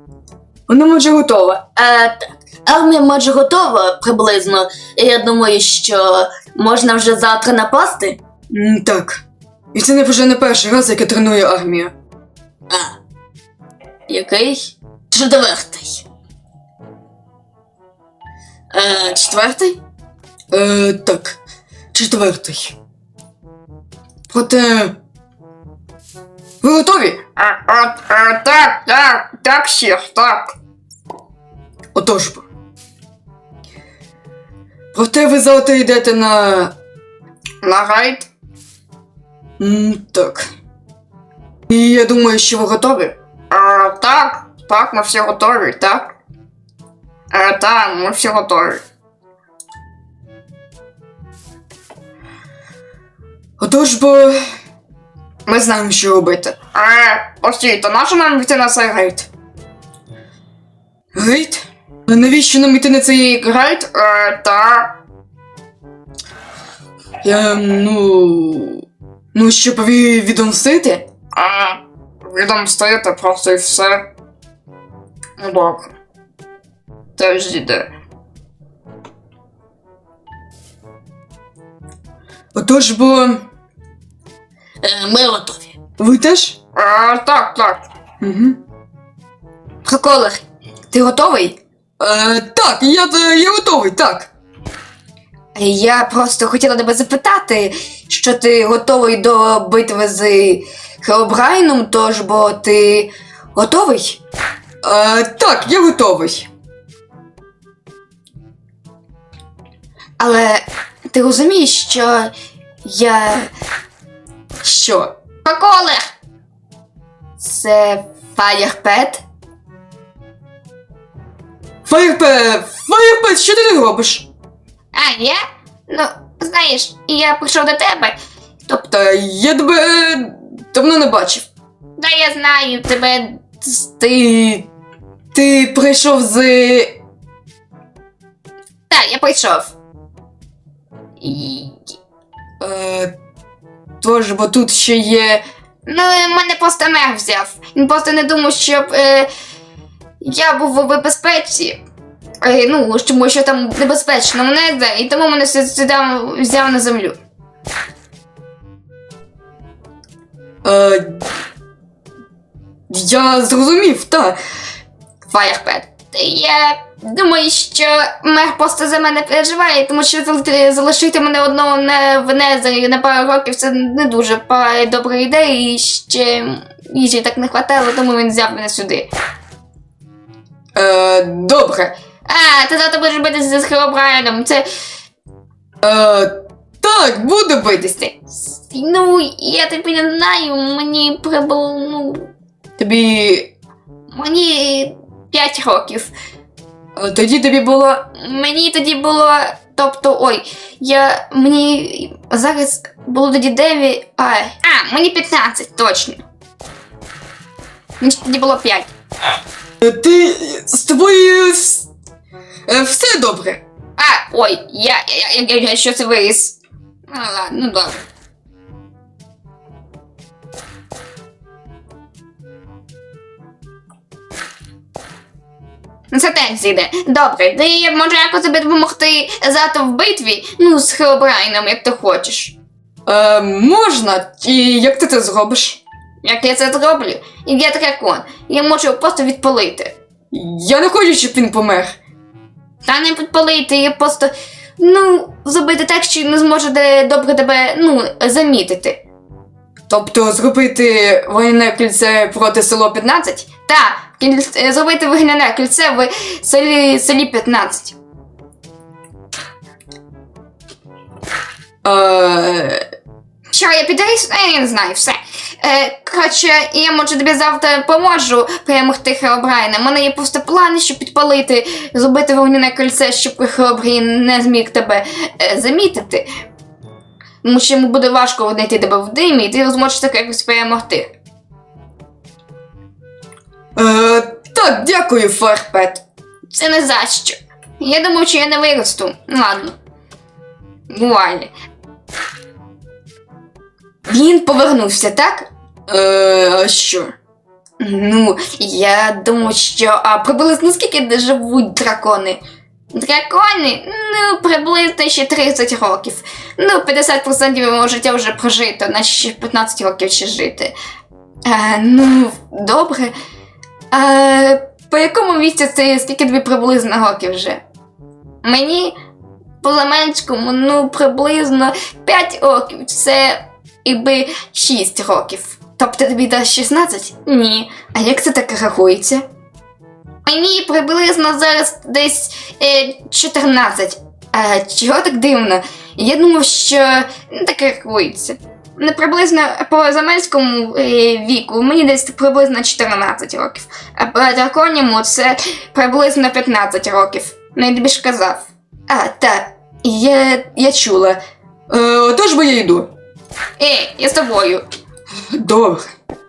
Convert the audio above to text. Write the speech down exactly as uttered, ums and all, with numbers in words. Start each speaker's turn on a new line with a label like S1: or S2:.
S1: Вона майже готова.
S2: Е, так. Армія майже готова приблизно. Я думаю, що можна вже завтра напасти.
S1: М, так. І це не вже не перший раз, як я треную армію.
S2: А. Який? Четвертий. Е, четвертий?
S1: Е, так. Четвертий. Проте... Ви готові?
S2: А, а, а, так, так, так, шеф, так.
S1: Отож бо. Проте ви завтра йдете на...
S2: На рейд?
S1: М, так. І я думаю, що ви готові?
S2: А, так, так, ми всі готові, так? А, так, ми всі готові.
S1: Отож бо... Ми знаємо, що робити.
S2: Е, постійте, нащо нам йти на цей рейд?
S1: Гейт? А навіщо нам йти на цей...
S2: Рейд? Е, так.
S1: Я, ну... Ну, щоб ви відомстити?
S2: А, відомстити просто і все. Ну, добре. Теж іде.
S1: Отож бо...
S2: Е, ми готові.
S1: Ви теж?
S2: Е, так, так.
S1: Угу.
S2: Приколер, ти готовий?
S1: Е, так, я, я готовий, так.
S2: Я просто хотіла тебе запитати, що ти готовий до битви з Хеобрайном, тож бо ти готовий?
S1: Е, так, я готовий.
S2: Але ти розумієш, що я...
S1: Що?
S2: Приколер! Це Фаєрпет?
S1: Фаєрпет, Фаєрпет, що ти тут робиш?
S2: А, я? Ну, знаєш, я прийшов до тебе. Тобто,
S1: Та я тебе е, давно не бачив.
S2: да я знаю тебе.
S1: Ти... Ти прийшов з...
S2: Так, я прийшов. І...
S1: Е, тож, бо тут ще є...
S2: Ну, мене просто мех взяв. Він просто не думав, щоб е, я був у безпеці. Е, ну, тому що там небезпечно мене, і тому мене сюди взяв на землю.
S1: Е, я зрозумів, так.
S2: Фаєрпет. Я думаю, що мер просто за мене переживає, тому що зал- залишити мене одного на в Незері на пару років це не дуже па- добра ідея, і ще їжі так не хватало, тому він взяв мене сюди.
S1: Е, добре.
S2: А, ти завтра будеш битися з Хеобрайном, це...
S1: Е, так, буду битися.
S2: Ну, я тобі не знаю, мені прибуло, ну,
S1: Тобі...
S2: мені п'ять років.
S1: е, Тоді тобі було...
S2: Мені тоді було, тобто, ой, я, мені зараз було тоді дев'ять, а, а, мені п'ятнадцять, точно. Мені ж тоді було п'ять.
S1: Е, Ти... З тобою... вс- е, Все добре.
S2: А, ой, я, я, я, я, я що це виріс. Ну, ладно, ну добре. Ну, це теж зійде. Добре, ти може якось тобі допомогти завтра в битві, ну, з Хеобрайном, як ти хочеш.
S1: Е, можна? І як ти це зробиш?
S2: Як я це зроблю? І я дракон. Я можу його просто відпалити.
S1: Я не хочу, щоб він помер.
S2: Та не підпалити, я просто, ну, зробити так, що не зможе де добре тебе, ну, замітити.
S1: Тобто зробити воєнне кільце проти село п'ятнадцять?
S2: Та, кіль- зробити вогняне кільце в селі, селі п'ятнадцять.
S1: Е,
S2: Що, я підріс? Е, Я не знаю, все. Е, коротше, я, може, тобі завтра поможу перемогти Хеобрайна. У мене є просто плани, щоб підпалити, зробити вогняне кільце, щоб Хеобрайн не зміг тебе е, замітити. Тому що йому буде важко знайти тебе в димі, і ти зможеш так якось перемогти.
S1: е, так, дякую, Фаєрпет.
S2: Це не за що. Я думав, що я не виросту. Ладно. Буває. Він повернувся, так?
S1: Е, а що?
S2: Ну, я думаю, що а приблизно скільки живуть дракони? Дракони? Ну, приблизно ще тридцять років. Ну, п'ятдесят відсотків мого життя вже прожито, наче ще п'ятнадцять років ще жити. А, ну, добре. А, по якому місці це скільки тобі приблизно років вже? Мені по Заменському, ну, приблизно п'ять років. Це якби шість років. Тобто тобі дасть шістнадцять? Ні. А як це так рахується? Мені приблизно зараз десь е, чотирнадцять. А чого так дивно? Я думав, що не так рахується. Не приблизно по Замельському е, віку мені десь приблизно чотирнадцять років. А по драконьому це приблизно п'ятнадцять років. Ну, я тобі ж казав. А, так, я, я чула.
S1: Е, тож би я йду.
S2: Ей, я з тобою.
S1: Добре.